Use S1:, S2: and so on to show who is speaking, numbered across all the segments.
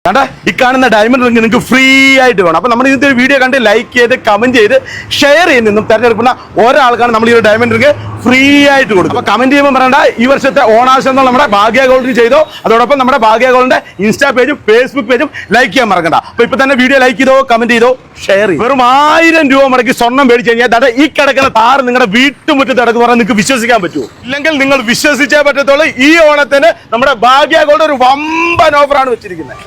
S1: ഈ കാണുന്ന diamond ring നിങ്ങൾക്ക് ഫ്രീ ആയിട്ട് വേണം. അപ്പൊ നമ്മൾ ഇന്നത്തെ ഒരു വീഡിയോ കണ്ട് ലൈക്ക് ചെയ്ത് കമന്റ് ചെയ്ത് ഷെയർ ചെയ്യുന്നതും തെരഞ്ഞെടുക്കുന്ന ഒരാൾക്കാണ് നമ്മൾ ഈ ഒരു ഡയമണ്ട് റിംഗ് ഫ്രീ ആയിട്ട് കൊടുക്കും. അപ്പൊ കമന്റ് ചെയ്യുമ്പോൾ പറയണ്ട, ഈ വർഷത്തെ ഓണാശം നമ്മുടെ ഭാഗ്യ ഗോൾഡിൽ ചെയ്തോ. അതോടൊപ്പം നമ്മുടെ ഭാഗ്യ ഗോൾഡിന്റെ ഇൻസ്റ്റാ പേജും ഫേസ്ബുക്ക് പേജും ലൈക്ക് ചെയ്യാൻ മറക്കണ്ട. അപ്പൊ ഇപ്പൊ തന്നെ വീഡിയോ ലൈക്ക് ചെയ്തോ, കമന്റ് ചെയ്തോ, ഷെയർ ചെയ്യും. വെറും 1000 രൂപ മുടക്കി സ്വർണ്ണം മേടിച്ചു കഴിഞ്ഞാൽ ഈ കിടക്കുന്ന താറ് നിങ്ങളുടെ വീട്ടുമുറ്റത്ത് കിടക്കുന്ന പറഞ്ഞാൽ നിങ്ങൾക്ക് വിശ്വസിക്കാൻ പറ്റുമോ? ഇല്ലെങ്കിൽ നിങ്ങൾ വിശ്വസിച്ചേ പറ്റത്തുള്ളൂ. ഈ ഓണത്തിന് നമ്മുടെ ഭാഗ്യ ഗോൾഡ് ഒരു വമ്പൻ ഓഫറാണ് വെച്ചിരിക്കുന്നത്.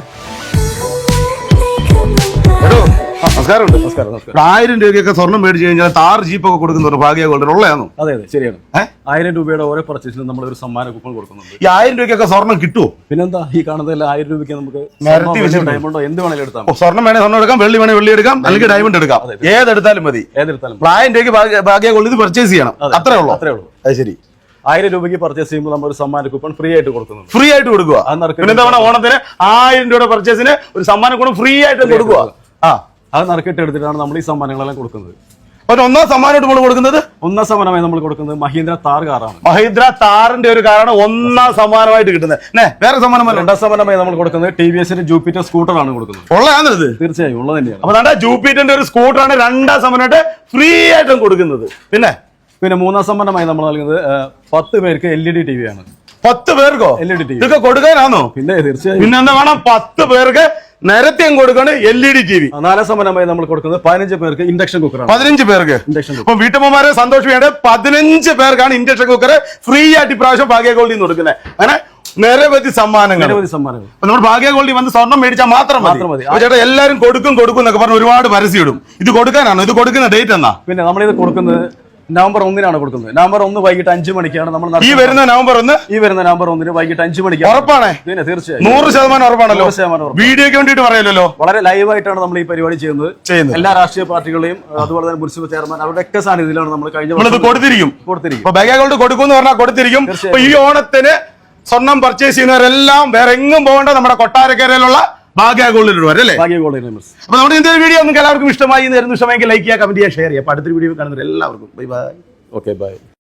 S1: നമസ്കാരം. 1000 രൂപയ്ക്കൊക്കെ സ്വർണ്ണം മേടിച്ചു കഴിഞ്ഞാൽ താർ ജീപ്പൊക്കെ കൊടുക്കുന്ന ഭാഗ്യ ഗോൾഡിന് ഉള്ളതാണോ?
S2: അതെ അതെ ശരിയാണ്. 1000 രൂപയുടെ ഓരോ പർച്ചേസിനും നമ്മൾ ഒരു സമ്മാന കൂപ്പൺ കൊടുക്കുന്നുണ്ട്.
S1: ഈ 1000 രൂപയ്ക്കൊക്കെ സ്വർണ്ണം കിട്ടുമോ?
S2: പിന്നെന്താ, ഈ കാണുന്നതല്ല 1000 രൂപയ്ക്ക് നമുക്ക് ഡയമണ്ടോ എന്ത് വേണേലും എടുത്താൽ.
S1: സ്വർണ്ണം വേണേ സ്വർണ്ണം എടുക്കാം, വെള്ളി വേണേ വെള്ളി എടുക്കാം, അല്ലെങ്കിൽ ഡയമണ്ട് എടുക്കാം. ഏതെടുത്താലും മതി. 1000 രൂപയ്ക്ക് ഭാഗ്യ ഗോൾഡ് ഇത് പർച്ചേസ് ചെയ്യണം. അത്രേ ഉള്ളൂ. അത് ശരി.
S2: 1000 രൂപയ്ക്ക് പർച്ചേസ് ചെയ്യുമ്പോൾ നമ്മൾ ഒരു സമ്മാന കൂപ്പൺ ഫ്രീ ആയിട്ട് കൊടുക്കുന്നു.
S1: ഫ്രീ ആയിട്ട് കൊടുക്കുക. പിന്നെ ഓണത്തിന് 1000 രൂപയുടെ പർച്ചേസിന് ഒരു സമ്മാന കൂപ്പൺ ഫ്രീ ആയിട്ട് കൊടുക്കുക.
S2: അത് നറുക്കിട്ട് എടുത്തിട്ടാണ് നമ്മൾ ഈ സമ്മാനങ്ങളെല്ലാം കൊടുക്കുന്നത്.
S1: ഒന്നാം സമ്മാനമായിട്ട് നമ്മൾ കൊടുക്കുന്നത്,
S2: ഒന്നാം സമ്മാനമായി നമ്മൾ കൊടുക്കുന്നത് മഹീന്ദ്ര താർ കാറാണ്.
S1: മഹീന്ദ്ര താറിന്റെ ഒരു കാറാണ് ഒന്നാം സമ്മാനമായിട്ട് കിട്ടുന്നത്. വേറെ സമ്മാനം
S2: രണ്ടാം സമ്മാനമായി നമ്മൾ കൊടുക്കുന്നത് ടി.വി.എസ്. ജൂപ്പിറ്റർ സ്കൂട്ടറാണ് കൊടുക്കുന്നത്.
S1: ഉള്ളതാണത്?
S2: തീർച്ചയായും ഉള്ളത് തന്നെയാണ്.
S1: അപ്പൊ ജൂപ്പിറ്ററിന്റെ ഒരു സ്കൂട്ടറാണ് രണ്ടാം സമ്മാനമായിട്ട് ഫ്രീ ആയിട്ടും കൊടുക്കുന്നത്. പിന്നെ
S2: മൂന്നാം സമ്മാനമായി നമ്മൾ നൽകുന്നത് 10 പേർക്ക് LED TV ആണ്.
S1: 10 പേർക്കോ LED TV ഇതൊക്കെ കൊടുക്കാനാണോ?
S2: പിന്നെ തീർച്ചയായും.
S1: പിന്നെ എന്താ വേണം? 10 പേർക്ക് നിരത്തിയും കൊടുക്കാണ് LED TV.
S2: നാലാം സമ്മാനമായി നമ്മൾ കൊടുക്കുന്നത് 15 പേർക്ക് ഇൻഡക്ഷൻ കുക്കറാണ്.
S1: 15 പേർക്ക് ഇൻഡക്ഷൻ. അപ്പൊ വീട്ടമ്മമാരെ സന്തോഷിക്കേണ്ട 15 പേർക്കാണ് ഇൻഡക്ഷൻ കുക്കർ ഫ്രീ ആയിട്ട് ഇപ്രാവശ്യം ഭാഗ്യ ഗോൾഡിൽ നിന്ന് കൊടുക്കുന്നത്. അങ്ങനെ നിരവധി സമ്മാനങ്ങൾ. നമ്മൾ ഭാഗ്യ ഗോൾഡിൽ വന്ന് സ്വർണ്ണം മേടിച്ചാൽ മാത്രം മതി. ചേട്ടാ എല്ലാവരും കൊടുക്കും എന്നൊക്കെ പറഞ്ഞ് ഒരുപാട് പരസ്യം ഇടും. ഇത് കൊടുക്കാനാണോ? ഇത് കൊടുക്കുന്ന ഡേറ്റ് എന്നാ?
S2: പിന്നെ നമ്മളിത് കൊടുക്കുന്നത് നവംബർ 1-നാണ് കൊടുക്കുന്നത്. നവംബർ 1 വൈകിട്ട് 5 മണിക്കാണ് നമ്മൾ
S1: ഈ വരുന്ന നവംബർ 1
S2: വൈകിട്ട് 5 മണിക്ക്.
S1: ഉറപ്പാണ്?
S2: പിന്നെ തീർച്ചയായും
S1: 100% ഉറപ്പാണല്ലോ. വീഡിയോക്ക് വേണ്ടിയിട്ട് പറയല്ലോ.
S2: വളരെ ലൈവായിട്ടാണ് നമ്മൾ ഈ പരിപാടി ചെയ്യുന്നത്. എല്ലാ രാഷ്ട്രീയ പാർട്ടികളെയും അതുപോലെ തന്നെ മുനിസിപ്പൽ ചെയർമാൻ അവരുടെ ഒക്കെ സാന്നിധ്യത്തിലാണ് നമ്മൾ കഴിഞ്ഞ കൊടുത്തിരിക്കും.
S1: ഭാഗ്യ ഗോൾഡ് കൊടുക്കും പറഞ്ഞാൽ കൊടുത്തിരിക്കും. ഈ ഓണത്തിന് സ്വർണം പർച്ചേസ് ചെയ്യുന്നവരെല്ലാം വേറെ എങ്ങും പോകേണ്ട നമ്മുടെ കൊട്ടാരക്കരയിലുള്ള ഭാഗ്യ ഗോൾഡിൽ വരല്ലേ? അപ്പൊ നമ്മുടെ ഇന്നത്തെ വീഡിയോ നിങ്ങൾക്ക് എല്ലാവർക്കും ഇഷ്ടമായി ഇഷ്ടമെങ്കിൽ ലൈക്ക് ചെയ്യുക, കമന്റ് ചെയ്യുക, ഷെയർ ചെയ്യുക. അടുത്തൊരു വീഡിയോ കാണുന്നവർ എല്ലാവർക്കും ബൈ ബൈ.
S2: Okay bye.